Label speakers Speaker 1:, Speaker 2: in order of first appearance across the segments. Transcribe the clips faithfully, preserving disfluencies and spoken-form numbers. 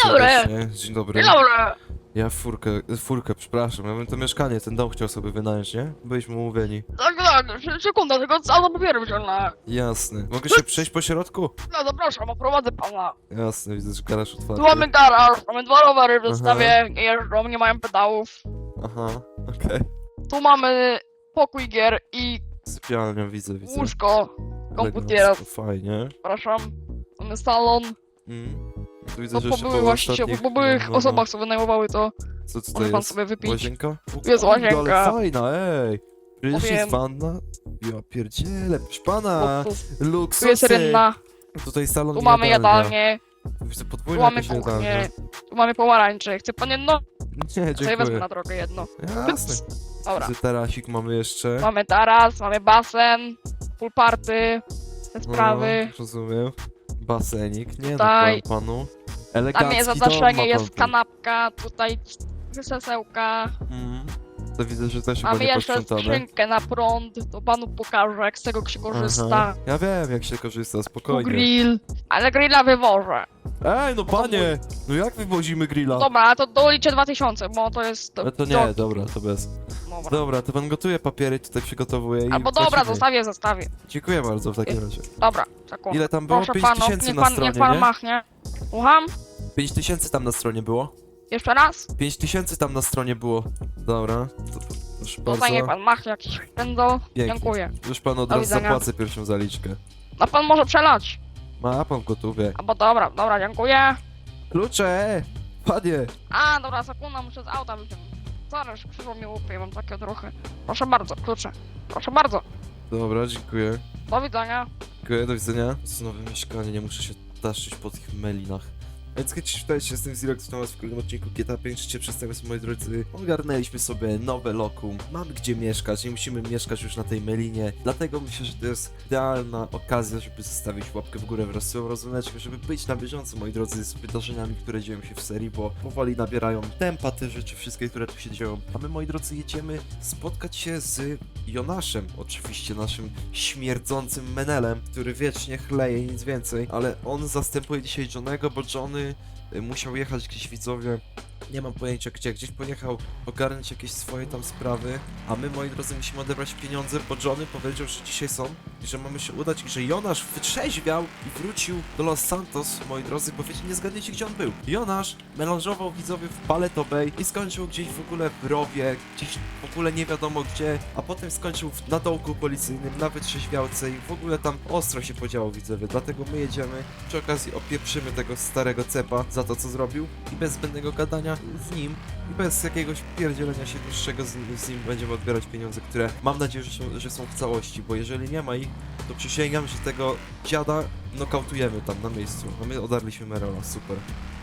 Speaker 1: dobry.
Speaker 2: serdecznie. Dzień dobry.
Speaker 1: Dzień dobry.
Speaker 2: Ja furkę, furkę, przepraszam, ja bym to mieszkanie, ten dom chciał sobie wynająć, nie? Byliśmy umówieni.
Speaker 1: Tak, tak, se- sekunda, tylko auto papiery wziąłem.
Speaker 2: Jasne. Mogę się przejść po środku?
Speaker 1: No zapraszam, oprowadzę pana.
Speaker 2: Jasne, widzę, że garaż
Speaker 1: Tu
Speaker 2: otwarty.
Speaker 1: mamy garaż, mamy dwa rowery w
Speaker 2: Aha.
Speaker 1: zestawie, nie jeżdżą, nie mają pedałów.
Speaker 2: Aha, okej.
Speaker 1: Tu mamy pokój gier i
Speaker 2: Sypialnia, widzę, widzę.
Speaker 1: łóżko komputera.
Speaker 2: Elegancko, fajnie.
Speaker 1: Przepraszam. Mamy salon.
Speaker 2: Mm. Tu widzę,
Speaker 1: To
Speaker 2: że
Speaker 1: po
Speaker 2: jeszcze
Speaker 1: byłych
Speaker 2: po
Speaker 1: właścicielach,
Speaker 2: ostatnich...
Speaker 1: po byłych
Speaker 2: no, no, no.
Speaker 1: osobach co wynajmowały to.
Speaker 2: Co tutaj
Speaker 1: Może pan
Speaker 2: jest?
Speaker 1: sobie wypić.
Speaker 2: Łazienka? O,
Speaker 1: jest
Speaker 2: kurde,
Speaker 1: łazienka.
Speaker 2: Ale fajna, ej! Przecież
Speaker 1: Powiem.
Speaker 2: jest wanna? Ja pierdzielę, proszę pana!
Speaker 1: Tu, tu, tu
Speaker 2: Luksusy!
Speaker 1: jest rynna,
Speaker 2: Tutaj salon
Speaker 1: tu
Speaker 2: i
Speaker 1: mamy
Speaker 2: jadalnia.
Speaker 1: jadalnię,
Speaker 2: Widzę
Speaker 1: tu
Speaker 2: podwójne
Speaker 1: mamy
Speaker 2: jakieś
Speaker 1: kuchnię,
Speaker 2: jadalnie.
Speaker 1: tu mamy pomarańcze. Chce pan jedno?
Speaker 2: Nie,
Speaker 1: To ja wezmę
Speaker 2: dziękuję.
Speaker 1: na drogę jedno.
Speaker 2: Jasne.
Speaker 1: Dobra.
Speaker 2: Widzę tarasik mamy jeszcze.
Speaker 1: Mamy taras, mamy basen, pool party, te
Speaker 2: No,
Speaker 1: sprawy.
Speaker 2: rozumiem. Basenik, nie
Speaker 1: Tutaj.
Speaker 2: no, panu.
Speaker 1: Tam
Speaker 2: Elegancki
Speaker 1: jest
Speaker 2: dom ma
Speaker 1: zadaszenie,
Speaker 2: pan
Speaker 1: jest
Speaker 2: tu.
Speaker 1: kanapka, tutaj krzesełka.
Speaker 2: Mm. To widzę, że też chyba
Speaker 1: Mamy
Speaker 2: nie
Speaker 1: jeszcze
Speaker 2: posprzątane.
Speaker 1: skrzynkę na prąd, to panu pokażę jak z tego się korzysta.
Speaker 2: Aha. Ja wiem, jak się korzysta,
Speaker 1: Tu
Speaker 2: spokojnie.
Speaker 1: grill, ale grilla wywożę.
Speaker 2: Ej, no panie! No jak wywozimy grilla?
Speaker 1: Dobra, to doliczę dwa tysiące, bo to jest...
Speaker 2: No to nie,
Speaker 1: to-
Speaker 2: dobra, to bez.
Speaker 1: Dobra.
Speaker 2: Dobra, to pan gotuje papiery, tutaj przygotowuje i
Speaker 1: Albo dobra,
Speaker 2: płacimy.
Speaker 1: zostawię, zostawię.
Speaker 2: Dziękuję bardzo w takim razie.
Speaker 1: Dobra, sekund.
Speaker 2: Ile tam było?
Speaker 1: Proszę
Speaker 2: pięć
Speaker 1: panów,
Speaker 2: tysięcy
Speaker 1: niech
Speaker 2: na
Speaker 1: pan,
Speaker 2: stronie,
Speaker 1: niech pan
Speaker 2: nie?
Speaker 1: machnie. Słucham?
Speaker 2: pięć tysięcy tam na stronie było?
Speaker 1: Jeszcze raz?
Speaker 2: pięć tysięcy tam na stronie było. Dobra, to proszę
Speaker 1: Tutaj
Speaker 2: bardzo.
Speaker 1: niech pan machnie jakiś pędzol.
Speaker 2: Pięknie.
Speaker 1: Dziękuję.
Speaker 2: Już pan od
Speaker 1: Do
Speaker 2: razu
Speaker 1: widzenia.
Speaker 2: zapłacę pierwszą zaliczkę.
Speaker 1: A pan może przelać.
Speaker 2: Ma pan w gotówie.
Speaker 1: Albo dobra, dobra, dziękuję.
Speaker 2: Klucze! Panie!
Speaker 1: A, dobra, sekunda, muszę z auta wyciągnąć. Zaraz, krzywo mi łupie, mam takie trochę. Proszę bardzo, klucze. Proszę bardzo.
Speaker 2: Dobra, dziękuję.
Speaker 1: Do widzenia.
Speaker 2: Dziękuję, do widzenia. To jest nowe mieszkanie, nie muszę się taszyć po tych melinach. Więc kiedyś witajcie, jestem Zirox, witam was w kolejnym odcinku G T A pięć. Życie przedstawiam, moi drodzy. Ogarnęliśmy sobie nowe lokum. Mamy gdzie mieszkać, nie musimy mieszkać już na tej melinie. Dlatego myślę, że to jest idealna okazja, żeby zostawić łapkę w górę wraz z swoją rozumeczką, żeby być na bieżąco, moi drodzy, z wydarzeniami, które dzieją się w serii, bo powoli nabierają tempa te rzeczy, wszystkie, które tu się dzieją. A my, moi drodzy, jedziemy spotkać się z Jonaszem, oczywiście naszym śmierdzącym menelem, który wiecznie chleje i nic więcej, ale on zastępuje dzisiaj Johnego, bo Johnny y, musiał jechać gdzieś, widzowie, nie mam pojęcia gdzie, gdzieś pojechał ogarnąć jakieś swoje tam sprawy, a my, moi drodzy, musimy odebrać pieniądze, bo Johnny powiedział, że dzisiaj są i że mamy się udać i że Jonasz wytrzeźwiał i wrócił do Los Santos, moi drodzy, bo wiecie, nie zgadniecie gdzie on był. Jonasz melanżował, widzowie, w Paleto Bay i skończył gdzieś w ogóle w rowie, gdzieś w ogóle nie wiadomo gdzie, a potem skończył w, na dołku policyjnym, na wytrzeźwiałce i w ogóle tam ostro się podziało, widzowie, dlatego my jedziemy, przy okazji opieprzymy tego starego cepa za to, co zrobił i bez zbędnego gadania z nim i bez jakiegoś pierdzielenia się dłuższego z, z nim będziemy odbierać pieniądze, które mam nadzieję, że są, że są w całości, bo jeżeli nie ma ich, to przysięgam, że tego dziada nokautujemy tam na miejscu, a my odarliśmy Merola, super.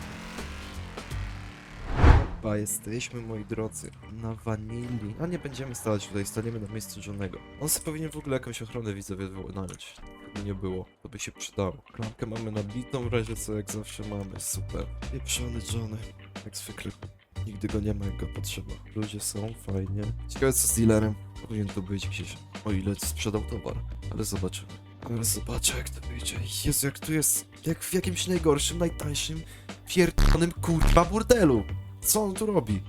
Speaker 2: Chyba jesteśmy, moi drodzy, na wanili. A nie będziemy stać tutaj, staniemy na miejscu Johnego. On sobie powinien w ogóle jakąś ochronę widzowie wynająć. Gdyby nie było, to by się przydało. Klamkę mamy nabitą, w razie co jak zawsze mamy, super. Pieprzony Johnny, jak zwykle. Nigdy go nie ma, jak go potrzeba. Ludzie są, fajnie. Ciekawe co z dealerem. Powinien tu być gdzieś, o ile sprzedał towar. Ale zobaczymy. Ale zobaczę jak to wyjdzie. Jezu, jak tu jest, jak w jakimś najgorszym, najtańszym, pierdolonym kurwa burdelu. Co on tu robi?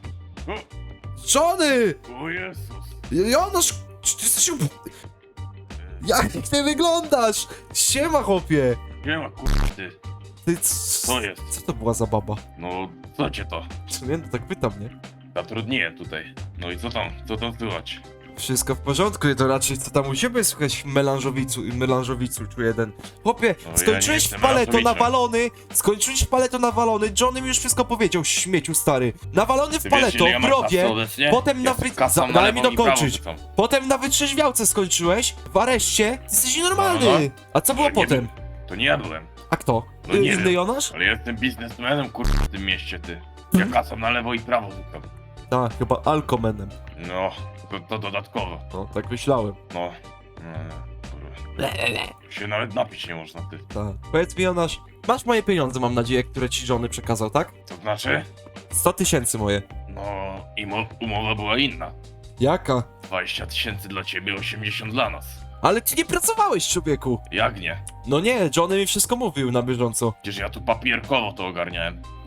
Speaker 2: Johnny!
Speaker 3: O Jezus!
Speaker 2: Jonasz! Czy ty jesteś... Jak ty wyglądasz? Siema, chłopie!
Speaker 3: Nie ma kurwa ty.
Speaker 2: Ty, c-
Speaker 3: Co jest?
Speaker 2: Co to była za baba?
Speaker 3: No, co cię to?
Speaker 2: Czy nie? No tak pytam, nie?
Speaker 3: Zatrudniłem tutaj. No i co tam? Co tam słychać?
Speaker 2: Wszystko w porządku, to raczej co tam u ciebie słychać melanżowicu i melanżowicu tu jeden. Chłopie,
Speaker 3: No, ja
Speaker 2: skończyłeś
Speaker 3: nie
Speaker 2: w
Speaker 3: jestem
Speaker 2: paleto
Speaker 3: melanżowiczem.
Speaker 2: nawalony, skończyłeś w paleto nawalony, Johnny mi już wszystko powiedział, śmieciu stary. Nawalony w
Speaker 3: Ty
Speaker 2: paleto,
Speaker 3: wiesz, ile ja
Speaker 2: w
Speaker 3: mam
Speaker 2: rowie,
Speaker 3: kasy obecnie?
Speaker 2: potem na
Speaker 3: Ja
Speaker 2: wy...
Speaker 3: kasą
Speaker 2: za-
Speaker 3: na
Speaker 2: Daj mi
Speaker 3: lewą i prawą
Speaker 2: dokończyć.
Speaker 3: rzucam.
Speaker 2: Potem na wytrzeźwiałce skończyłeś, w areszcie, ty jesteś nienormalny.
Speaker 3: No, no.
Speaker 2: A co było
Speaker 3: Że nie
Speaker 2: potem?
Speaker 3: To nie ja byłem.
Speaker 2: A kto?
Speaker 3: No nie
Speaker 2: Inny
Speaker 3: wiem.
Speaker 2: Jonasz?
Speaker 3: Ale ja jestem biznesmenem kurwa w tym mieście, ty. Ja kasą na lewo i prawo rzucam.
Speaker 2: Tak, chyba alkomenem.
Speaker 3: No, to, to dodatkowo.
Speaker 2: No, tak myślałem.
Speaker 3: No. No, kurwa. Się nawet napić nie można, ty.
Speaker 2: Tak. Powiedz mi, Jonasz, masz moje pieniądze, mam nadzieję, które ci żony przekazał, tak?
Speaker 3: To znaczy?
Speaker 2: sto tysięcy moje.
Speaker 3: No, i mo- umowa była inna.
Speaker 2: Jaka?
Speaker 3: dwadzieścia tysięcy dla ciebie, osiemdziesiąt dla nas.
Speaker 2: Ale ty nie pracowałeś, człowieku!
Speaker 3: Jak nie?
Speaker 2: No nie, Johnny mi wszystko mówił na bieżąco.
Speaker 3: Przecież ja tu papierkowo to ogarniałem.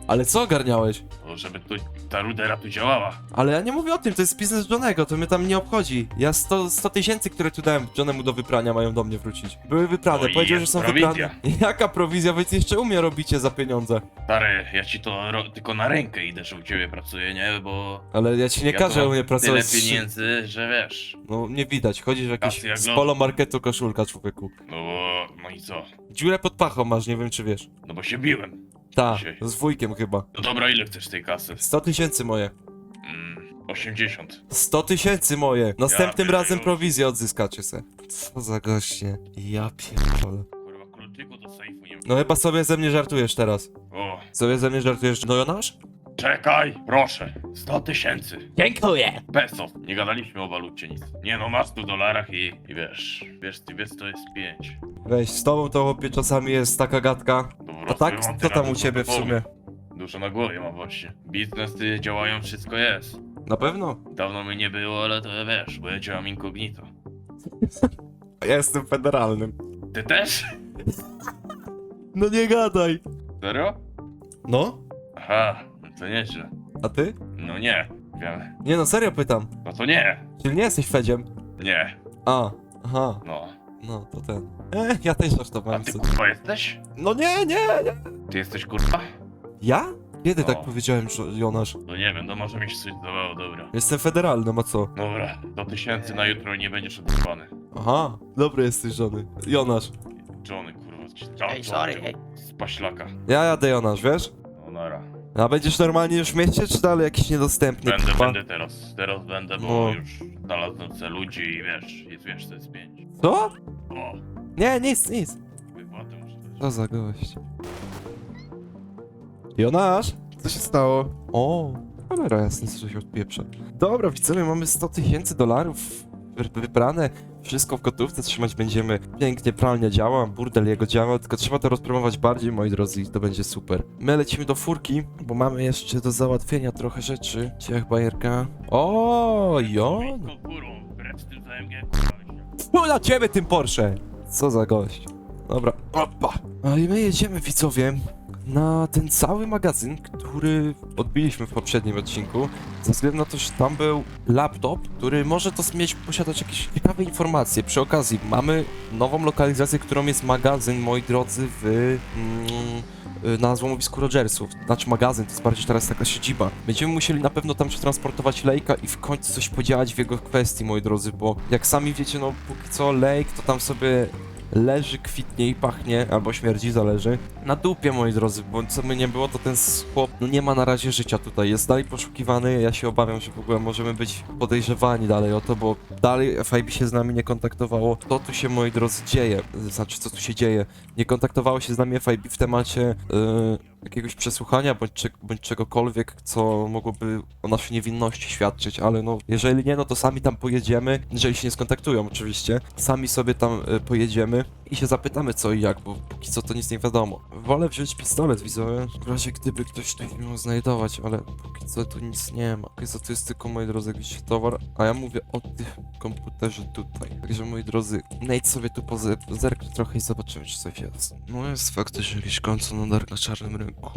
Speaker 2: Ale co ogarniałeś?
Speaker 3: To żeby tu, ta rudera tu działała.
Speaker 2: Ale ja nie mówię o tym, to jest biznes Johnego, to mnie tam nie obchodzi. Ja sto tysięcy, które tu dałem Johnemu do wyprania, mają do mnie wrócić. Były wyprane,
Speaker 3: No i
Speaker 2: powiedział, że
Speaker 3: jest
Speaker 2: są
Speaker 3: prowizja.
Speaker 2: wyprane. Jaka prowizja? Wy jeszcze u mnie robicie za pieniądze.
Speaker 3: Stary, ja ci to ro- tylko na rękę idę, że u ciebie pracuję, nie? Bo
Speaker 2: Ale ja ci nie
Speaker 3: ja
Speaker 2: każę
Speaker 3: tu
Speaker 2: u
Speaker 3: mam
Speaker 2: mnie pracować.
Speaker 3: tyle pieniędzy, że wiesz.
Speaker 2: No nie widać, chodzisz w jakiś
Speaker 3: Kasy jak
Speaker 2: z
Speaker 3: lody.
Speaker 2: polo marketu koszulka, człowieku.
Speaker 3: No bo, no i co?
Speaker 2: Dziurę pod pachą masz, nie wiem czy wiesz.
Speaker 3: No bo się biłem.
Speaker 2: Ta,
Speaker 3: Dzisiaj.
Speaker 2: z wujkiem chyba.
Speaker 3: No dobra, ile chcesz tej kasy?
Speaker 2: sto tysięcy moje.
Speaker 3: Mm, osiemdziesiąt.
Speaker 2: sto tysięcy moje. Następnym
Speaker 3: Ja
Speaker 2: razem
Speaker 3: pierdolę.
Speaker 2: prowizję odzyskacie se. Co za goście. Ja pierdolę.
Speaker 3: Kurwa, kluczyku do sejfu nie
Speaker 2: No chyba sobie ze mnie żartujesz teraz.
Speaker 3: O,
Speaker 2: Sobie ze mnie żartujesz, no Jonasz?
Speaker 3: czekaj, proszę. sto tysięcy.
Speaker 2: Dziękuję.
Speaker 3: Peso. Nie gadaliśmy o walucie nic. Nie no, masz tu w dolarach i, i wiesz, wiesz, ty wiesz, to jest pięć.
Speaker 2: Weź, z tobą to chłopie czasami jest taka gadka. A tak, co tam u ciebie w sumie?
Speaker 3: Dużo na głowie mam właśnie. Biznesy działają, wszystko jest.
Speaker 2: Na pewno?
Speaker 3: Dawno mi nie było, ale to wiesz, bo ja działam incognito.
Speaker 2: Ja jestem federalnym.
Speaker 3: Ty też?
Speaker 2: No nie gadaj.
Speaker 3: Serio?
Speaker 2: No?
Speaker 3: Aha, no to nieźle.
Speaker 2: A ty?
Speaker 3: No nie, wiem.
Speaker 2: Nie no, serio pytam.
Speaker 3: No to nie,
Speaker 2: Czyli nie jesteś Fedziem?
Speaker 3: nie,
Speaker 2: A, aha,
Speaker 3: no.
Speaker 2: no to ten. E, ja też
Speaker 3: A
Speaker 2: żartowałem
Speaker 3: ty
Speaker 2: sobie.
Speaker 3: kurwa jesteś?
Speaker 2: No nie, nie, nie.
Speaker 3: Ty jesteś kurwa?
Speaker 2: Ja? Kiedy
Speaker 3: No.
Speaker 2: tak powiedziałem, że Jonasz?
Speaker 3: No nie wiem, no może mi się coś zdawało, dobra.
Speaker 2: Jestem federalnym, a co?
Speaker 3: Dobra, do tysięcy na jutro nie będziesz odrywany.
Speaker 2: Aha, dobry jesteś żony. Jonasz.
Speaker 3: Johnny kurwa, ci-
Speaker 4: Ej, sorry, ej.
Speaker 3: Z paślaka.
Speaker 2: Ja jadę Jonasz, wiesz?
Speaker 3: No nara.
Speaker 2: A będziesz normalnie już w mieście, czy dalej jakiś niedostępny?
Speaker 3: Będę,
Speaker 2: kurwa?
Speaker 3: będę teraz. Teraz będę, bo
Speaker 2: No.
Speaker 3: już znalazłem se ludzi i wiesz, jest wiesz, to jest pięć.
Speaker 2: Co?
Speaker 3: O,
Speaker 2: Nie, nic, nic.
Speaker 3: wypłatę muszę dać.
Speaker 2: Co za gość. Jonasz? Co się stało? O, kamera jasna, co się odpieprza. Dobra, widzowie, mamy sto tysięcy dolarów wy- wybrane. Wszystko w gotówce trzymać będziemy. Pięknie, pralnia działa, burdel jego działa, tylko trzeba to rozpromować bardziej, moi drodzy, i to będzie super. My lecimy do furki, bo mamy jeszcze do załatwienia trochę rzeczy. Ciach, bajerka. O, Jon!
Speaker 3: Blisko górą, wbrew z tym za M G, kurwa, leśniak.
Speaker 2: Fu na ciebie tym Porsche! Co za gość. Dobra, opa. A i my jedziemy, widzowie, na ten cały magazyn, który odbiliśmy w poprzednim odcinku, ze względu na to, że tam był laptop, który może to mieć, posiadać jakieś ciekawe informacje. Przy okazji mamy nową lokalizację, którą jest magazyn, moi drodzy, w... Mm, na złomowisku Rogersów. Znaczy magazyn, to jest bardziej teraz taka siedziba. Będziemy musieli na pewno tam przetransportować Lake'a i w końcu coś podziałać w jego kwestii, moi drodzy, bo jak sami wiecie, no póki co Lake to tam sobie leży, kwitnie i pachnie, albo śmierdzi, zależy. Na dupie, moi drodzy, bo co by nie było, to ten chłop, no nie ma na razie życia tutaj, jest dalej poszukiwany, ja się obawiam, że w ogóle możemy być podejrzewani dalej o to, bo dalej F I B się z nami nie kontaktowało. Co tu się, moi drodzy, dzieje? Znaczy, co tu się dzieje? Nie kontaktowało się z nami F I B w temacie yy, jakiegoś przesłuchania, bądź, cze- bądź czegokolwiek, co mogłoby o naszej niewinności świadczyć, ale no, jeżeli nie, no to sami tam pojedziemy, jeżeli się nie skontaktują oczywiście, sami sobie tam y, pojedziemy i się zapytamy co i jak, bo póki co to nic nie wiadomo. Wolę wziąć pistolet, widzowie, w razie gdyby ktoś tu miał znajdować, ale póki co tu nic nie ma. Póki co to jest tylko, moi drodzy, jakiś towar, a ja mówię o tym komputerze tutaj. Także, moi drodzy, Nate sobie tu poze- zerknę trochę i zobaczymy, czy coś jest. No jest faktycznie jakiś koncern na na czarnym rynku.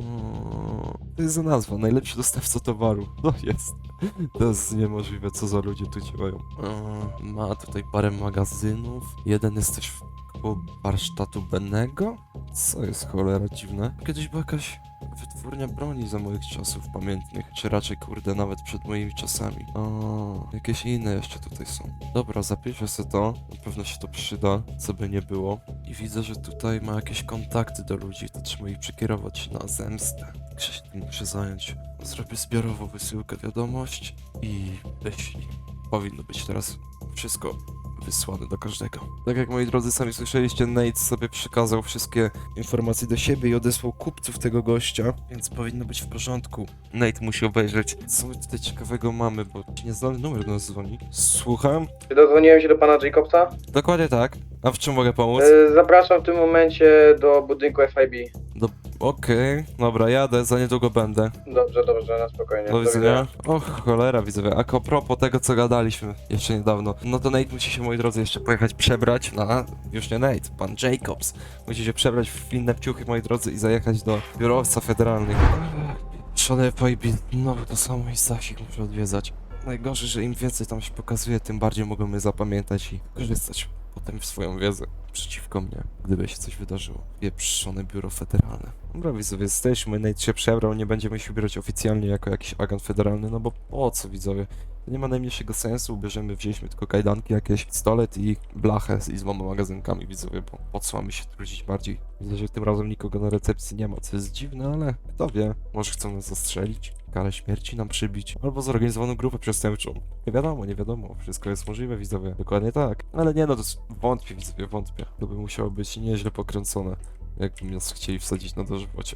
Speaker 2: No, to jest za nazwa, najlepszy dostawca towaru. No jest. To jest niemożliwe, co za ludzie tu działają. E, ma tutaj parę magazynów. Jeden jest też w koło warsztatu Bennego. Co jest cholera dziwne. Kiedyś była jakaś wytwórnia broni za moich czasów pamiętnych. Czy raczej, kurde, nawet przed moimi czasami. O, jakieś inne jeszcze tutaj są. Dobra, zapiszę sobie to. Na pewno się to przyda, co by nie było. I widzę, że tutaj ma jakieś kontakty do ludzi. To trzeba ich przekierować na zemstę. Także się tym muszę zająć. Zrobię zbiorową wysyłkę wiadomość i wyślij. Powinno być teraz wszystko wysłane do każdego. Tak jak moi drodzy sami słyszeliście, Nate sobie przekazał wszystkie informacje do siebie i odesłał kupców tego gościa, więc powinno być w porządku. Nate musi obejrzeć, co my tutaj ciekawego mamy, bo nieznany numer do nas dzwoni. Słucham?
Speaker 5: Dodzwoniłem się do pana Jacobsa.
Speaker 2: Dokładnie tak. A w czym mogę pomóc?
Speaker 5: E, Zapraszam w tym momencie do budynku F I B.
Speaker 2: Do Okej, dobra, jadę, za niedługo będę.
Speaker 5: Dobrze, dobrze, na spokojnie.
Speaker 2: Do widzenia. Och, cholera, widzowie. A propos tego, co gadaliśmy jeszcze niedawno, no to Nate musi się, moi drodzy, jeszcze pojechać przebrać na... Już nie Nate, pan Jacobs. Musi się przebrać w inne ciuchy, moi drodzy, i zajechać do biurowca federalnych. Szone pojbi, no to samo i Stasik muszę odwiedzać. Najgorzej, że im więcej tam się pokazuje, tym bardziej mogą mnie zapamiętać i korzystać potem w swoją wiedzę przeciwko mnie, gdyby się coś wydarzyło. Pieprzone biuro federalne. Dobra, widzowie, jesteśmy, Nate się przebrał, nie będziemy się ubierać oficjalnie jako jakiś agent federalny, no bo po co, widzowie? To nie ma najmniejszego sensu, bierzemy, wzięliśmy tylko kajdanki, jakieś pistolet i blachę z i z dwoma magazynkami, widzowie, bo po co mamy się trudzić bardziej? Widzę, że tym razem nikogo na recepcji nie ma, co jest dziwne, ale kto wie, może chcą nas zastrzelić, karę śmierci nam przybić, albo zorganizowaną grupę przestępczą. Nie wiadomo, nie wiadomo, wszystko jest możliwe, widzowie, dokładnie tak. Ale nie no, to jest- wątpię, widzowie, wątpię. To by musiało być nieźle pokręcone, jakby nas chcieli wsadzić na dożywocie.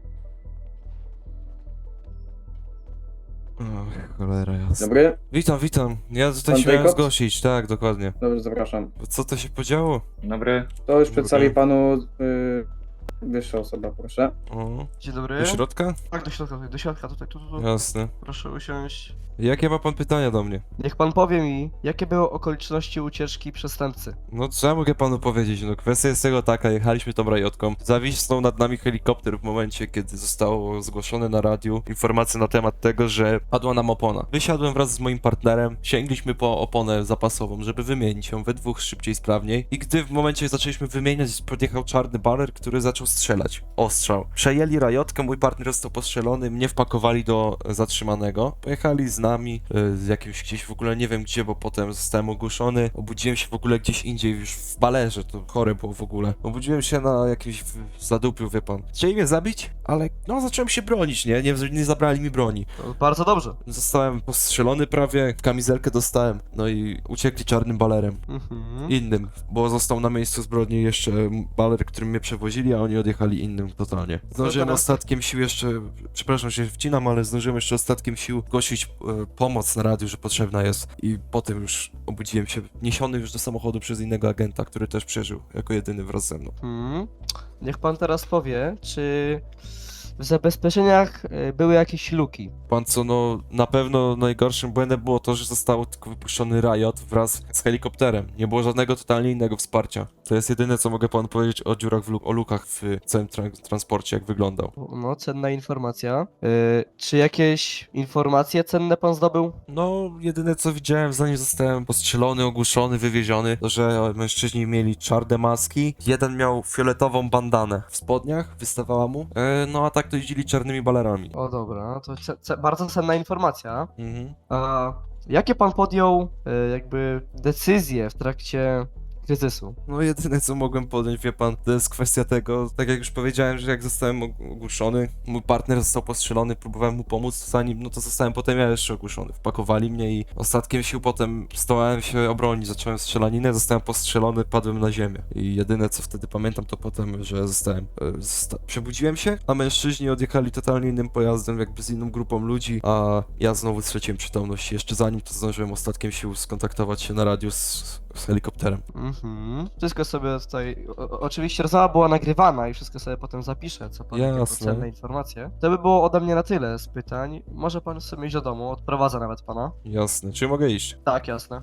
Speaker 2: Och, cholera jasna.
Speaker 5: Dobry?
Speaker 2: Witam, witam. Ja tutaj
Speaker 5: Pan
Speaker 2: się miałem
Speaker 5: Jacobs?
Speaker 2: zgłosić, tak, dokładnie.
Speaker 5: Dobrze, zapraszam.
Speaker 2: Co to się podziało?
Speaker 4: Dobry.
Speaker 5: To już
Speaker 2: Dobry.
Speaker 5: przedstawi panu y, wyższa osoba, proszę.
Speaker 2: O,
Speaker 6: Dzień dobry.
Speaker 2: do środka?
Speaker 6: Tak, do środka, tutaj, do środka, tutaj, tu, tu, tu.
Speaker 2: Jasne.
Speaker 6: Proszę usiąść.
Speaker 2: Jakie ma pan pytania do mnie?
Speaker 6: Niech pan powie mi, jakie były okoliczności ucieczki przestępcy?
Speaker 2: No co ja mogę panu powiedzieć? No kwestia jest tego taka, jechaliśmy tą rajotką, zawisnął nad nami helikopter w momencie, kiedy zostało zgłoszone na radiu informacje na temat tego, że padła nam opona. Wysiadłem wraz z moim partnerem, sięgliśmy po oponę zapasową, żeby wymienić ją we dwóch szybciej, sprawniej i gdy w momencie zaczęliśmy wymieniać, podjechał czarny baler, który zaczął strzelać. Ostrzał. Przejęli rajotkę, mój partner został postrzelony, mnie wpakowali do zatrzymanego, pojechali z nami, y, z jakimś gdzieś w ogóle nie wiem gdzie, bo potem zostałem ogłuszony, obudziłem się w ogóle gdzieś indziej, już w balerze, to chore było w ogóle. Obudziłem się na jakimś w- zadupiu, wie pan. Chcieli mnie zabić, ale no zacząłem się bronić, nie? Nie, nie zabrali mi broni.
Speaker 6: To bardzo dobrze.
Speaker 2: Zostałem postrzelony prawie, kamizelkę dostałem, no i uciekli czarnym balerem.
Speaker 6: Mhm.
Speaker 2: Innym, bo został na miejscu zbrodni jeszcze baler, którym mnie przewozili, a oni odjechali innym totalnie. Zdążyłem
Speaker 6: teraz-
Speaker 2: ostatkiem sił jeszcze, przepraszam, że się wcinam, ale zdążyłem jeszcze ostatkiem sił głosić e, pomoc na radiu, że potrzebna jest i potem już obudziłem się niesiony już do samochodu przez innego agenta, który też przeżył jako jedyny wraz ze mną.
Speaker 6: Mhm. Niech pan teraz powie, czy w zabezpieczeniach y, były jakieś luki?
Speaker 2: Pan co, no na pewno najgorszym błędem było to, że został tylko wypuszczony Riot wraz z helikopterem. Nie było żadnego totalnie innego wsparcia. To jest jedyne, co mogę panu powiedzieć o dziurach w luk, o lukach w całym tra- transporcie, jak wyglądał.
Speaker 6: No, cenna informacja. Y, czy jakieś informacje cenne pan zdobył?
Speaker 2: No, jedyne co widziałem, zanim zostałem postrzelony, ogłuszony, wywieziony, to że mężczyźni mieli czarne maski, jeden miał fioletową bandanę w spodniach, wystawała mu, e, no a tak to jeździli czarnymi balerami.
Speaker 6: O dobra, to ce- ce- bardzo cenna informacja.
Speaker 2: Mhm.
Speaker 6: A jakie pan podjął y, jakby decyzje w trakcie kryzysu?
Speaker 2: No jedyne co mogłem podjąć, wie pan, to jest kwestia tego, tak jak już powiedziałem, że jak zostałem og- ogłuszony, mój partner został postrzelony, próbowałem mu pomóc, zanim, no to zostałem potem ja jeszcze ogłuszony. Wpakowali mnie i ostatkiem sił potem zdołałem się obronić, zacząłem strzelaninę, zostałem postrzelony, padłem na ziemię. I jedyne co wtedy pamiętam to potem, że zostałem, e, zosta- przebudziłem się, a mężczyźni odjechali totalnie innym pojazdem, jakby z inną grupą ludzi, a ja znowu straciłem przytomność. Jeszcze zanim to zdążyłem ostatkiem sił skontaktować się na radiu z, z helikopterem.
Speaker 6: Mhm. Wszystko sobie tutaj. O, o- oczywiście rozmowa była nagrywana i wszystko sobie potem zapiszę, co pan jako
Speaker 2: Jasne.
Speaker 6: cenne informacje. To by było ode mnie na tyle z pytań. Może pan sobie iść do domu, odprowadzę nawet pana.
Speaker 2: Jasne, czy mogę iść?
Speaker 6: Tak, jasne.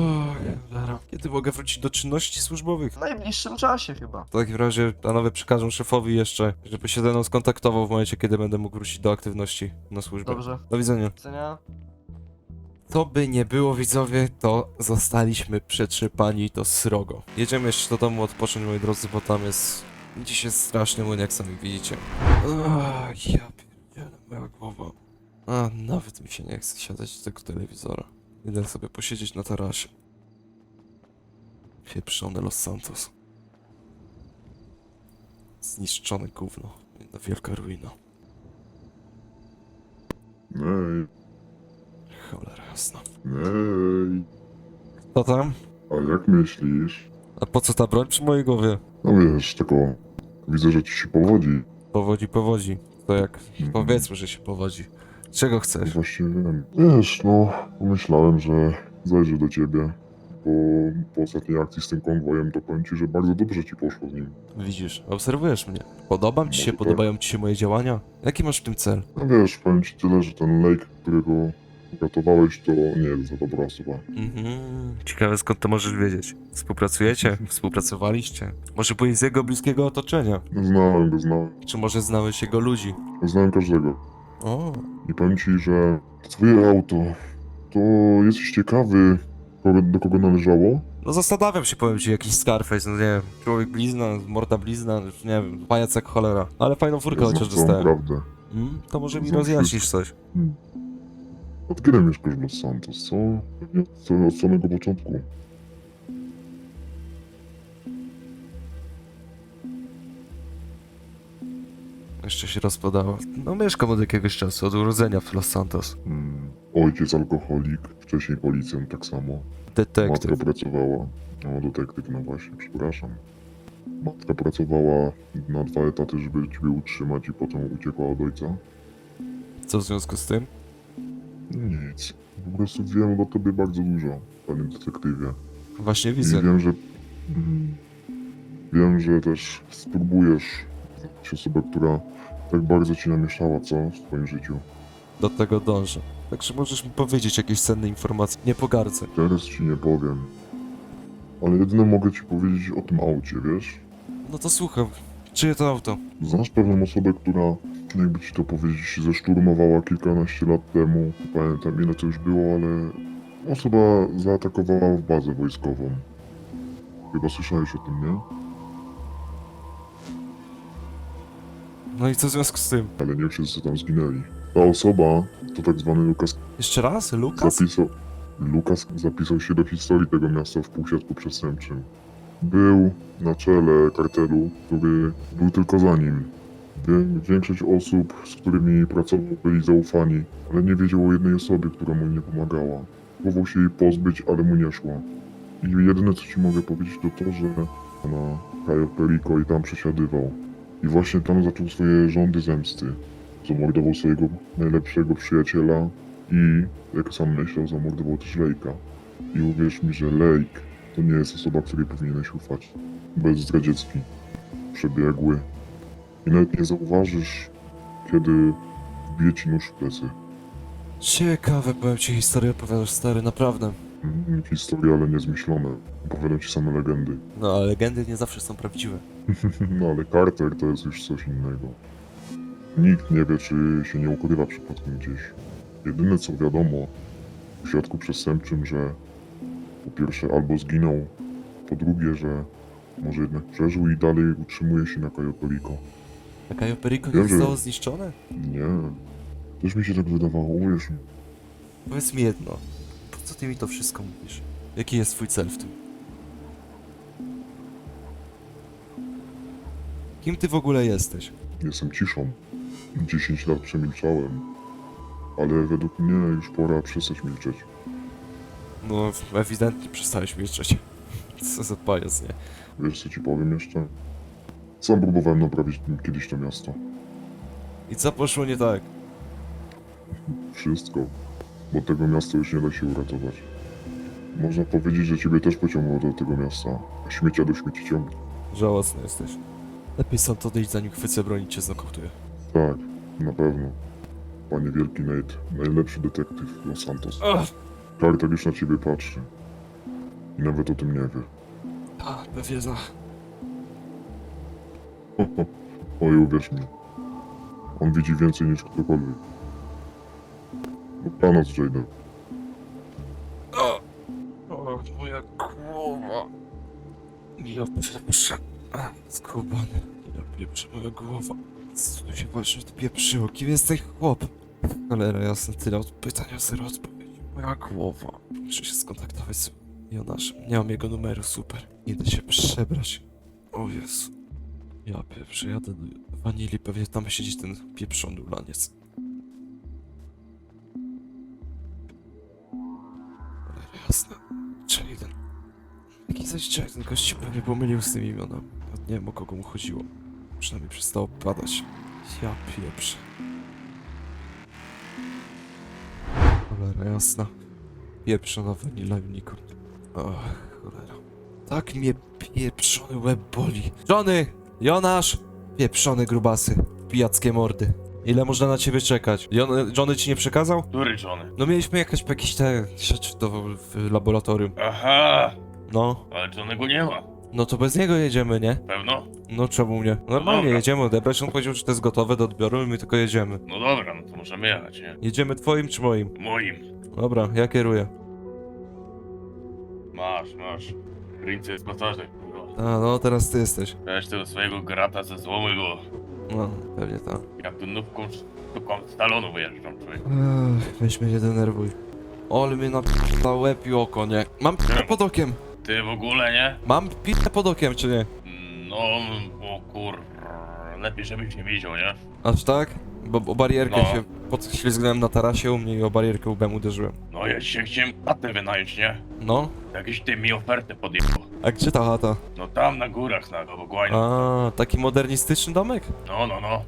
Speaker 2: Uff, kiedy mogę wrócić do czynności służbowych?
Speaker 6: W najbliższym czasie chyba.
Speaker 2: W takim razie panowie przekażą szefowi jeszcze, żeby się ze mną skontaktował w momencie, kiedy będę mógł wrócić do aktywności na służbę.
Speaker 6: Dobrze.
Speaker 2: Do widzenia.
Speaker 6: Do widzenia.
Speaker 2: To by nie było, widzowie, to zostaliśmy przetrzepani do srogo. Jedziemy jeszcze do domu odpocząć, moi drodzy, bo tam jest... Dziś jest straszny młyn, jak sami widzicie. Ach, ja pierdzielę, moja głowa. A, nawet mi się nie chce siadać do tego telewizora. Idę sobie posiedzieć na tarasie. Pieprzone Los Santos. Zniszczone gówno. Jedna wielka ruina.
Speaker 7: Ej,
Speaker 2: Cholera jasna.
Speaker 7: ej,
Speaker 2: Co tam?
Speaker 7: a jak myślisz?
Speaker 2: A po co ta broń przy mojej głowie?
Speaker 7: No wiesz, tylko widzę, że ci się powodzi.
Speaker 2: Powodzi, powodzi. To jak... Powiedzmy, że się powodzi. Czego chcesz?
Speaker 7: Właśnie wiem. Wiesz, no, pomyślałem, że zajrzę do ciebie. po, po ostatniej akcji z tym konwojem, to powiem ci, że bardzo dobrze ci poszło w nim.
Speaker 2: Widzisz, obserwujesz mnie. Podobam ci się,
Speaker 7: Może tak.
Speaker 2: podobają ci się moje działania? Jaki masz w tym cel?
Speaker 7: No wiesz, powiem ci tyle, że ten Lake, którego uratowałeś, to nie jest za dobra osoba.
Speaker 2: Mhm. Ciekawe skąd to możesz wiedzieć. Współpracujecie? Współpracowaliście? Może byłeś z jego bliskiego otoczenia?
Speaker 7: Znałem go, znałem.
Speaker 2: Czy może znałeś jego ludzi?
Speaker 7: Znałem każdego.
Speaker 2: O,
Speaker 7: I powiem ci, że twoje auto, to jesteś ciekawy, kogo, do kogo należało?
Speaker 2: no zastanawiam się, powiem ci, jakiś Scarface, no nie wiem, człowiek blizna, morda blizna, już nie wiem, pajac jak cholera. Ale fajną furkę
Speaker 7: Ja
Speaker 2: chociaż
Speaker 7: znam całą
Speaker 2: dostałem.
Speaker 7: prawdę.
Speaker 2: Mm, to może mi
Speaker 7: Znam
Speaker 2: rozjaśnisz coś.
Speaker 7: Od kiedy mieszkasz w Los Santos, co? Pewnie od- od samego początku.
Speaker 2: Jeszcze się rozpadało. No mieszkam od jakiegoś czasu, od urodzenia w Los Santos.
Speaker 7: Hmm. Ojciec alkoholik, wcześniej policjant tak samo. Matka
Speaker 2: Detektyw.
Speaker 7: pracowała. O, detektyw, no właśnie, przepraszam. Matka pracowała na dwa etaty, żeby ciebie utrzymać i potem uciekła od ojca.
Speaker 2: Co w związku z tym?
Speaker 7: Nic. Po prostu wiem o tobie bardzo dużo, panie detektywie.
Speaker 2: Właśnie
Speaker 7: I
Speaker 2: widzę.
Speaker 7: wiem, że... Mm, wiem, że też spróbujesz znaleźć osobę, która tak bardzo ci namieszała, co? W twoim życiu.
Speaker 2: Do tego dążę. Także możesz mi powiedzieć jakieś cenne informacje. Nie pogardzę.
Speaker 7: Teraz ci nie powiem. Ale jedyne mogę ci powiedzieć o tym aucie, wiesz?
Speaker 2: No to słucham. Czyje to auto?
Speaker 7: Znasz pewną osobę, która, jakby ci to powiedzieć, zeszturmowała kilkanaście lat temu. Nie pamiętam ile to już było, ale osoba zaatakowała w bazę wojskową. Chyba słyszałeś o tym, nie?
Speaker 2: No i co w związku z tym?
Speaker 7: Ale nie wszyscy tam zginęli. Ta osoba to tak zwany Lukas
Speaker 2: Jeszcze raz? Lukas?
Speaker 7: zapisał... Lukas zapisał się do historii tego miasta w półświadku przestępczym. Był na czele kartelu, który był tylko za nim. Wie- Większość osób, z którymi pracował, byli zaufani, ale nie wiedział o jednej osobie, która mu nie pomagała. Próbował się jej pozbyć, ale mu nie szło. I jedyne co ci mogę powiedzieć to to, że na Cayo Perico i tam przesiadywał. I właśnie tam zaczął swoje rządy zemsty. Zamordował swojego najlepszego przyjaciela i, jak sam myślał, zamordował też Lake'a. I uwierz mi, że Lake to nie jest osoba, której powinieneś ufać. Bezzdradziecki, przebiegły. I nawet nie zauważysz, kiedy wbije ci nóż w plecy.
Speaker 2: Ciekawe, powiem ci historię opowiadasz, stary, naprawdę.
Speaker 7: Mm, Historie, ale niezmyślone. Opowiadam ci same legendy.
Speaker 2: No, ale legendy nie zawsze są prawdziwe.
Speaker 7: No ale Carter to jest już coś innego. Nikt nie wie, czy się nie ukrywa przypadkiem gdzieś. Jedyne co wiadomo w środku przestępczym, że po pierwsze albo zginął, po drugie, że może jednak przeżył i dalej utrzymuje się na Cayo Perico.
Speaker 2: A Cayo Perico
Speaker 7: Wiem,
Speaker 2: nie
Speaker 7: że-
Speaker 2: zostało zniszczone?
Speaker 7: Nie, też mi się tak wydawało, uwierz mi.
Speaker 2: Powiedz mi jedno. Po co ty mi to wszystko mówisz? Jaki jest twój cel w tym? Kim ty w ogóle jesteś?
Speaker 7: Jestem ciszą. dziesięć lat przemilczałem. Ale według mnie już pora przestać milczeć.
Speaker 2: No, ewidentnie przestałeś milczeć. Co za pajac, nie?
Speaker 7: Wiesz co ci powiem jeszcze? Sam próbowałem naprawić kiedyś to miasto.
Speaker 2: I co poszło nie tak?
Speaker 7: Wszystko. Bo tego miasta już nie da się uratować. Można powiedzieć, że ciebie też pociągnęło do tego miasta. A śmiecia do śmieci ciągnie.
Speaker 2: Żałosny jesteś. Lepiej stąd odejść, zanim chwycę broń i cię znokautuję.
Speaker 7: Tak, na pewno. Panie Wielki Nate, najlepszy detektyw Los Santos.
Speaker 2: Ach!
Speaker 7: Carter już na ciebie patrzy. I nawet o tym nie wie.
Speaker 2: A, pewnie za...
Speaker 7: Ho, ho. Oj, uwierz mi. On widzi więcej niż ktokolwiek. Dobranoc, Jaden.
Speaker 2: O, o, moja głowa. Ja pieprzę. A, skubany. Ja pieprzę, moja głowa. Co tu się właśnie odpieprzyło? Kim jest ten chłop? Cholera jasna, tyle od pytań, a zero odpowiedzi. Moja głowa. Muszę się skontaktować z Jonaszem. Nie mam jego numeru, super. Idę się przebrać. O Jezu. Ja pieprzę, jadę do wanili, pewnie tam siedzi ten pieprzony ulaniec. Cholera jasna. Jaden. Jaki zaś Jaden? Gość się pewnie pomylił z tym imionem. Nawet nie wiem, o kogo mu chodziło. Przynajmniej przestało padać. Ja pieprzę. Cholera jasna. Pieprzona Vanilla Unicorn. O, cholera. Tak mnie pieprzony łeb boli. Johnny! Jonasz! Pieprzone grubasy. Pijackie mordy. Ile można na ciebie czekać? Jon Johnny ci nie przekazał?
Speaker 3: Który Johnny?
Speaker 2: No mieliśmy jakieś, jakieś te rzeczy do, w laboratorium.
Speaker 3: Aha,
Speaker 2: No.
Speaker 3: ale Johnnego nie ma.
Speaker 2: No to bez niego jedziemy, nie?
Speaker 3: Pewno?
Speaker 2: No czemu nie? Normalnie
Speaker 3: dobra.
Speaker 2: jedziemy odebrać, on powiedział, że to jest gotowe do odbioru i my tylko jedziemy.
Speaker 3: No dobra, no to możemy jechać, nie?
Speaker 2: Jedziemy twoim czy moim?
Speaker 3: Moim.
Speaker 2: Dobra, ja kieruję.
Speaker 3: Masz, masz. Rince jest gotowy, kurwa.
Speaker 2: A, no teraz ty jesteś.
Speaker 3: Weź tego swojego grata ze złomy go.
Speaker 2: No, pewnie tak.
Speaker 3: Jak tu nówką sztuką z talonu wyjeżdżam, człowiek.
Speaker 2: Ech, weź mnie nie denerwuj. Ole mnie na łeb i oko, nie? Mam p***ę pod okiem.
Speaker 3: Ty w ogóle, nie?
Speaker 2: Mam p***ę pod okiem, czy nie?
Speaker 3: No, o kur... Lepiej, żebyś nie widział, nie?
Speaker 2: Aż tak? Bo o barierkę
Speaker 3: No.
Speaker 2: się podślizgnąłem na tarasie u mnie i o barierkę łbem uderzyłem.
Speaker 3: No ja dzisiaj chciałem chatę wynająć, nie?
Speaker 2: No?
Speaker 3: Jakiś ty mi ofertę podjechał.
Speaker 2: A gdzie ta chata?
Speaker 3: No tam na górach, na Gobogłanie.
Speaker 2: A, taki modernistyczny domek?
Speaker 3: No, no, no.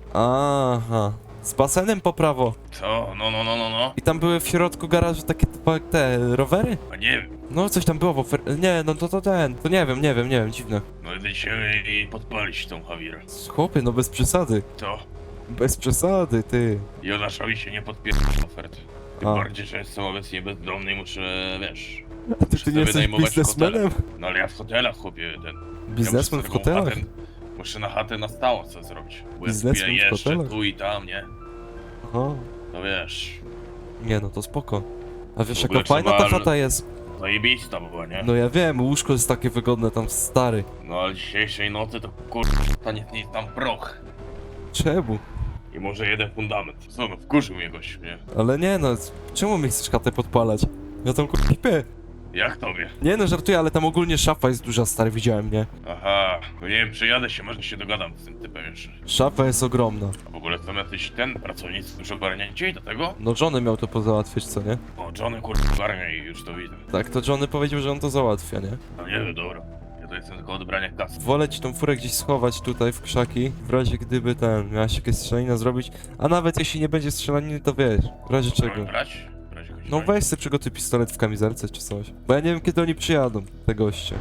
Speaker 2: Aha. Z basenem po prawo.
Speaker 3: Co? No, no, no, no, no.
Speaker 2: I tam były w środku garażu takie typa- te rowery?
Speaker 3: A nie wiem.
Speaker 2: No coś tam było w ofer... Nie, no to to ten. To nie wiem, nie wiem, nie wiem, dziwne.
Speaker 3: No idę się i podpalić tą Hawirę.
Speaker 2: Chłopie, no bez przesady.
Speaker 3: Co?
Speaker 2: Bez przesady, ty.
Speaker 3: Jonaszowi się nie podpiera ofert. Tym
Speaker 2: A.
Speaker 3: bardziej, że jestem obecnie bezdomny i muszę, wiesz...
Speaker 2: A ty,
Speaker 3: muszę
Speaker 2: ty nie
Speaker 3: sobie
Speaker 2: jesteś
Speaker 3: wynajmować
Speaker 2: biznesmenem?
Speaker 3: hotele. No ale ja w hotelach, chłopie, ten...
Speaker 2: Biznesmen
Speaker 3: ja
Speaker 2: w
Speaker 3: muszę taką
Speaker 2: hotelach?
Speaker 3: Chatę, muszę na chatę na stało co zrobić. Bo
Speaker 2: Biznesmen
Speaker 3: ja
Speaker 2: w
Speaker 3: jeszcze
Speaker 2: hotelach?
Speaker 3: tu i tam, nie?
Speaker 2: Aha.
Speaker 3: No wiesz...
Speaker 2: Nie no, to spoko. A wiesz
Speaker 3: W ogóle
Speaker 2: jaka fajna ta
Speaker 3: trzeba-
Speaker 2: chata jest?
Speaker 3: Zajebista była, nie?
Speaker 2: No ja wiem, łóżko jest takie wygodne tam, stary.
Speaker 3: No ale dzisiejszej nocy to kurwa, stanie nie tam proch.
Speaker 2: Czemu?
Speaker 3: I może jeden fundament. Co no, wkurzył mnie gość, nie?
Speaker 2: Ale nie no, czemu mi chcesz chatę podpalać? Ja tam kurwa śpię.
Speaker 3: Jak tobie?
Speaker 2: Nie no, żartuję, ale tam ogólnie szafa jest duża, stary, widziałem, nie?
Speaker 3: Aha, no nie wiem, przyjadę się, może się dogadam z tym typem jeszcze.
Speaker 2: Szafa jest ogromna.
Speaker 3: A w ogóle są jacyś ten, pracownicy już ogarnięci i do tego?
Speaker 2: No Johnny miał to pozałatwić, co nie?
Speaker 3: O, Johnny kurwa ogarnia i już to widzę.
Speaker 2: Tak, to Johnny powiedział, że on to załatwia, nie?
Speaker 3: No nie wiem, dobra. Ja to jestem tylko odebrania kasy.
Speaker 2: Wolę ci tą furę gdzieś schować tutaj w krzaki, w razie gdyby ten, miałaś jakieś strzelanina zrobić, a nawet jeśli nie będzie strzelaniny, to wiesz, w razie czego.
Speaker 3: Mamy brać? W razie choć
Speaker 2: No
Speaker 3: brać.
Speaker 2: weź sobie przygotuj pistolet w kamizelce czy coś, bo ja nie wiem kiedy oni przyjadą, te goście.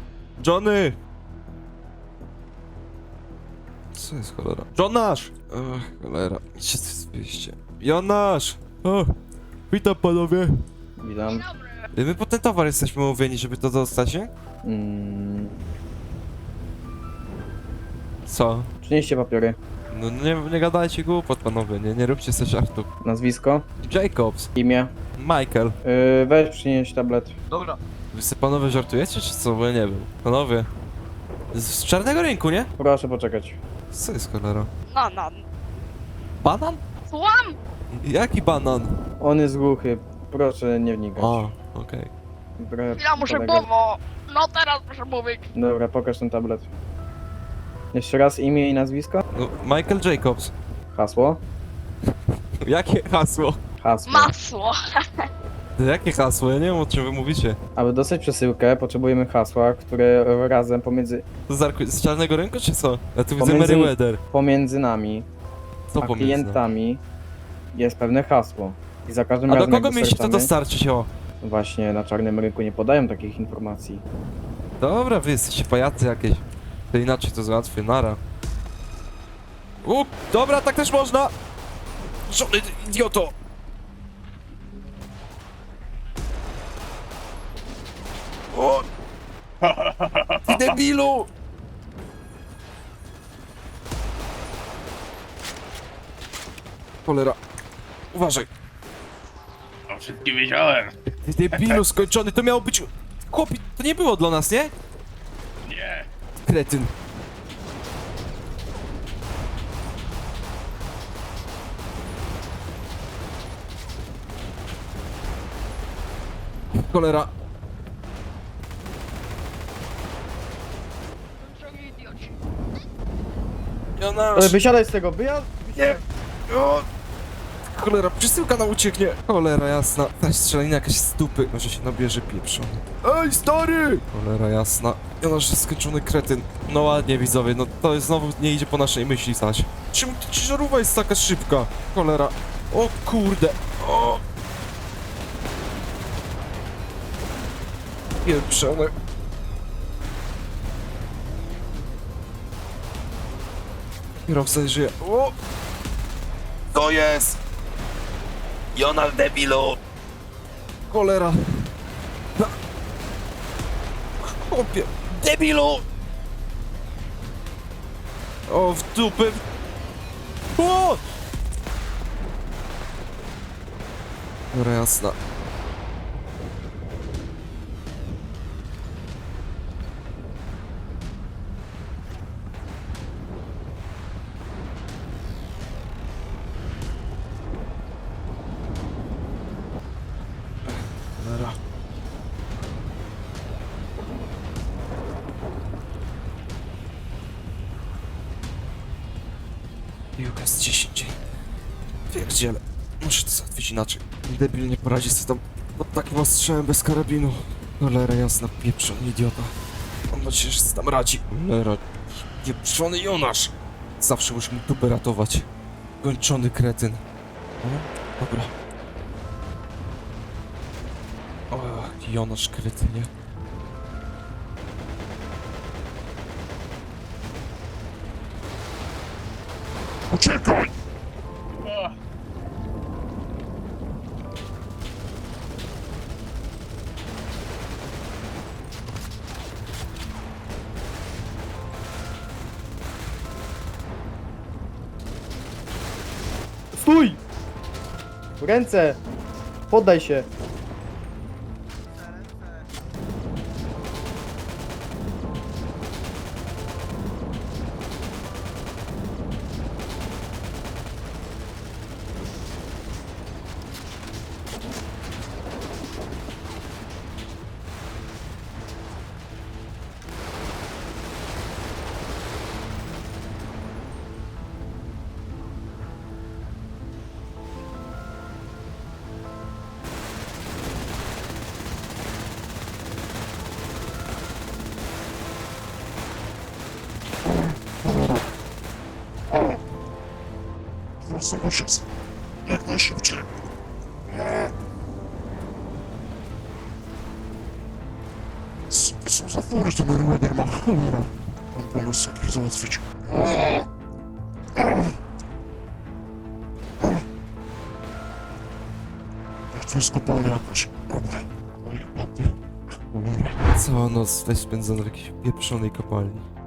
Speaker 2: Johnny! Co jest cholera? Jonasz! Ach, cholera, idźcie zwieście. Jonasz! O, witam panowie.
Speaker 5: Witam.
Speaker 2: My po ten towar jesteśmy umówieni, żeby to dostać, nie?
Speaker 5: Mm,
Speaker 2: Co?
Speaker 5: przynieście papiery.
Speaker 2: No nie, nie gadajcie głupot panowie, nie, nie róbcie sobie żartów.
Speaker 5: Nazwisko,
Speaker 2: Jacobs,
Speaker 5: imię.
Speaker 2: Michael.
Speaker 5: Yy, weź przynieść tablet.
Speaker 6: Dobra.
Speaker 2: Wy sobie panowie żartujecie czy co? Bo ja nie wiem. Panowie. Z, z czarnego rynku, nie?
Speaker 5: Proszę poczekać.
Speaker 2: Co jest cholera?
Speaker 1: Banan.
Speaker 2: Banan?
Speaker 1: Słucham?
Speaker 2: Jaki banan?
Speaker 5: On jest głuchy. Proszę nie wnikać.
Speaker 2: A, okej.
Speaker 5: Trochę
Speaker 1: Ja muszę
Speaker 5: polegać.
Speaker 1: było. No teraz muszę mówić.
Speaker 5: Dobra, pokaż ten tablet. Jeszcze raz imię i nazwisko.
Speaker 2: No, Michael Jacobs.
Speaker 5: Hasło.
Speaker 2: Jakie hasło?
Speaker 5: Hasło.
Speaker 1: Masło.
Speaker 2: Jakie hasło? Ja nie wiem o czym wy mówicie.
Speaker 5: Aby dostać przesyłkę, potrzebujemy hasła, które razem pomiędzy,
Speaker 2: To z, Arku- z czarnego rynku czy co? Ja tu widzę
Speaker 5: Pomiędzy-
Speaker 2: Meriwether.
Speaker 5: pomiędzy nami
Speaker 2: Co
Speaker 5: a
Speaker 2: pomiędzy?
Speaker 5: klientami jest pewne hasło. I za każdym
Speaker 2: A do
Speaker 5: razem jak
Speaker 2: kogo mieliście to
Speaker 5: dostarczamy-
Speaker 2: dostarczyć, o?
Speaker 5: Właśnie na czarnym rynku nie podają takich informacji.
Speaker 2: Dobra, wy jesteście pajacy jakieś. To inaczej to załatwię, nara. U, dobra, tak też można! Żony, ty idioto! O! Ty debilu! Cholera. Uważaj.
Speaker 3: O wszystkim wiedziałem.
Speaker 2: Ty debilu skończony, to miało być... Chłopi, to nie było dla nas, nie?
Speaker 3: Nie.
Speaker 2: Kretyn. Cholera.
Speaker 1: Drogi idioci.
Speaker 2: Jonasz.
Speaker 5: Ale wysiadaj z tego, wyjazd!
Speaker 2: Nie. O. Cholera, przesyłka nam ucieknie. Cholera jasna. Ta strzelanina jakaś z dupy. Może się nabierze pieprzony. Ej, stary! Cholera jasna. Jonasz jest skończony kretyn. No ładnie, widzowie, no to jest znowu nie idzie po naszej myśli, Saś. Czemu ta ciężarówka jest taka szybka? Cholera. O kurde. O. Pieprzone. Kierowca nie żyje. O! To jest! Jonal debilu! Cholera! Ha! Chłopie! Debilu! O, w dupę! O! Dobra, jasna. Cholera. Piłka z dziesięć. Pierdziele. Muszę to załatwić inaczej. Debil nie poradzi sobie tam pod takim ostrzałem bez karabinu. Cholera jasna, pieprzony idiota. Mam nadzieję, że sobie tam radzi. Cholera, pieprzony Jonasz. Zawsze muszę mi dupę ratować. Kończony kretyn. O, dobra. O, Jonasz kretynie.
Speaker 7: Uciekaj!
Speaker 5: Stój! Ręce! Poddaj się!
Speaker 7: Zobacz, jak najszybciej. Co są za fury, to normalnie nie ma cholera. Mam pomysł, jak ich załatwić. Jak to jest kopalnia jakaś. Dobra. Oj, ładnie. Cholera.
Speaker 2: Cała noc tutaj spędzona w jakiejś pieprzonej kopalni.